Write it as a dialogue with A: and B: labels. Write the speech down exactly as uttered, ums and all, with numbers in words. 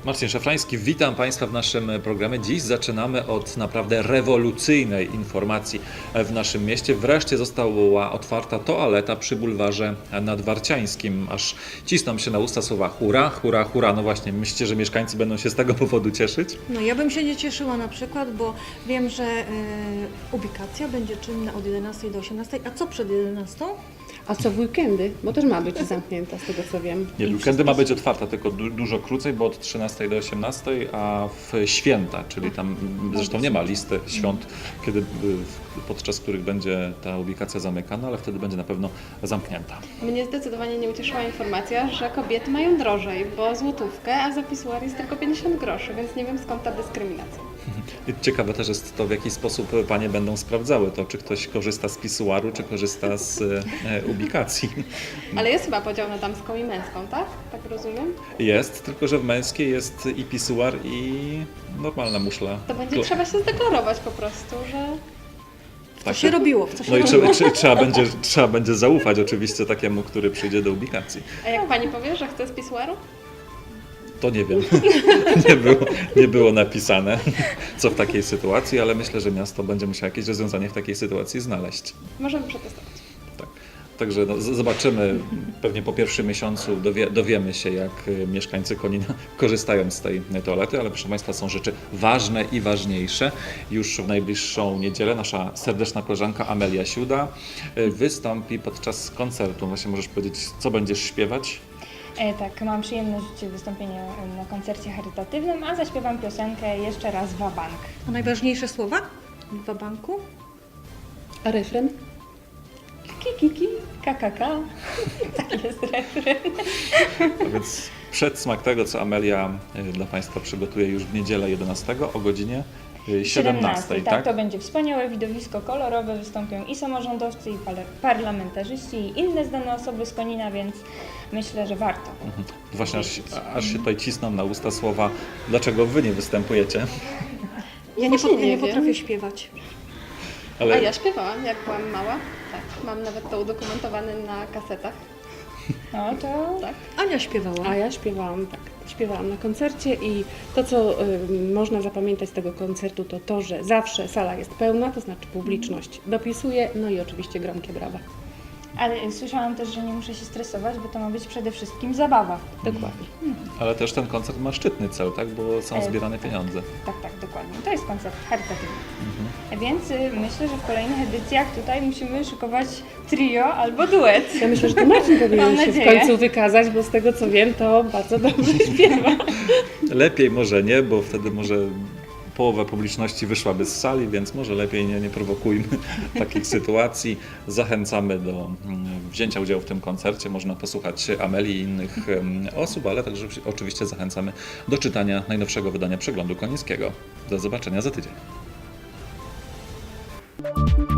A: Marcin Szafrański, witam Państwa w naszym programie. Dziś zaczynamy od naprawdę rewolucyjnej informacji w naszym mieście. Wreszcie została otwarta toaleta przy bulwarze nadwarciańskim. Aż cisną się na usta słowa hura, hura, hura. No właśnie, myślicie, że mieszkańcy będą się z tego powodu cieszyć?
B: No ja bym się nie cieszyła na przykład, bo wiem, że y, ubikacja będzie czynna od jedenastej do osiemnastej, a co przed jedenastą?
C: A co w weekendy? Bo też ma być zamknięta, z tego co wiem.
A: Nie,
C: I
A: weekendy ma być otwarta, tylko du dużo krócej, bo od trzynastej do osiemnastej, a w święta, czyli tam zresztą nie ma listy świąt, kiedy, podczas których będzie ta ubikacja zamykana, ale wtedy będzie na pewno zamknięta.
D: Mnie zdecydowanie nie ucieszyła informacja, że kobiety mają drożej, bo złotówkę, a za pisuar jest tylko pięćdziesiąt groszy, więc nie wiem skąd ta dyskryminacja.
A: I ciekawe też jest to, w jaki sposób panie będą sprawdzały to, czy ktoś korzysta z pisuaru, czy korzysta z e, ubikacji.
D: Ale jest chyba podział na damską i męską, tak? Tak rozumiem?
A: Jest, tylko że w męskiej jest i pisuar, i normalna muszla.
D: To będzie
A: Klo-
D: trzeba się zdeklarować po prostu, że...
B: Co
A: Tak.
B: się robiło? W co się
A: No i
B: robiło?
A: trzeba, trzeba, trzeba, będzie, trzeba będzie zaufać oczywiście takiemu, który przyjdzie do ubikacji.
D: A jak pani powie, że chce z pisuaru?
A: To nie wiem, nie było, nie było napisane, co w takiej sytuacji, ale myślę, że miasto będzie musiało jakieś rozwiązanie w takiej sytuacji znaleźć.
D: Możemy przetestować.
A: Tak. Także no, z- zobaczymy, pewnie po pierwszym miesiącu dowie, dowiemy się, jak y, mieszkańcy Konina korzystają z tej toalety, ale proszę Państwa, są rzeczy ważne i ważniejsze. Już w najbliższą niedzielę nasza serdeczna koleżanka Amelia Siuda y, wystąpi podczas koncertu. Właśnie możesz powiedzieć, co będziesz śpiewać?
E: E, tak, mam przyjemność wystąpienia na koncercie charytatywnym, a zaśpiewam piosenkę jeszcze raz Wabank.
B: A najważniejsze słowa w wabanku?
C: A refren?
E: Kiki, kiki, kakaka. Taki jest refren.
A: A więc przedsmak tego, co Amelia y, dla Państwa przygotuje już w niedzielę jedenastego o godzinie y, siedemnastej,
E: tak?
A: tak?
E: To będzie wspaniałe widowisko kolorowe, wystąpią i samorządowcy, i par- parlamentarzyści, i inne znane osoby z Konina, więc myślę, że warto.
A: Mhm. Właśnie aż, aż się tutaj cisną na usta słowa, dlaczego Wy nie występujecie?
B: Ja nie,
D: Właśnie
B: pot- ja
D: nie
B: nie
D: wiem.
B: potrafię śpiewać.
A: Ale
D: A ja śpiewałam, jak byłam mała. Tak, mam nawet to udokumentowane na kasetach.
E: No to
D: Tak.
B: Ania śpiewała.
C: A ja śpiewałam, tak. Śpiewałam na koncercie i to, co y, można zapamiętać z tego koncertu, to to, że zawsze sala jest pełna, to znaczy publiczność dopisuje, no i oczywiście gromkie brawa.
E: ale słyszałam też, że nie muszę się stresować, bo to ma być przede wszystkim zabawa.
C: Dokładnie.
A: Ale też ten koncert ma szczytny cel, tak? Bo są
E: E,
A: zbierane
E: tak.
A: pieniądze.
E: Tak, tak, dokładnie. To jest koncert charytatywny.
A: Mhm.
E: Więc y, myślę, że w kolejnych edycjach tutaj musimy szykować trio albo duet.
C: Ja myślę, że to Marcin powinien
E: Mam
C: się w
E: nadzieję.
C: końcu wykazać, bo z tego co wiem, to bardzo dobrze śpiewa.
A: Lepiej może nie, bo wtedy może połowa publiczności wyszłaby z sali, więc może lepiej nie, nie prowokujmy takich sytuacji. Zachęcamy do mm, wzięcia udziału w tym koncercie. Można posłuchać Amelii i innych em, osób, ale także oczywiście zachęcamy do czytania najnowszego wydania Przeglądu Konińskiego. Do zobaczenia za tydzień.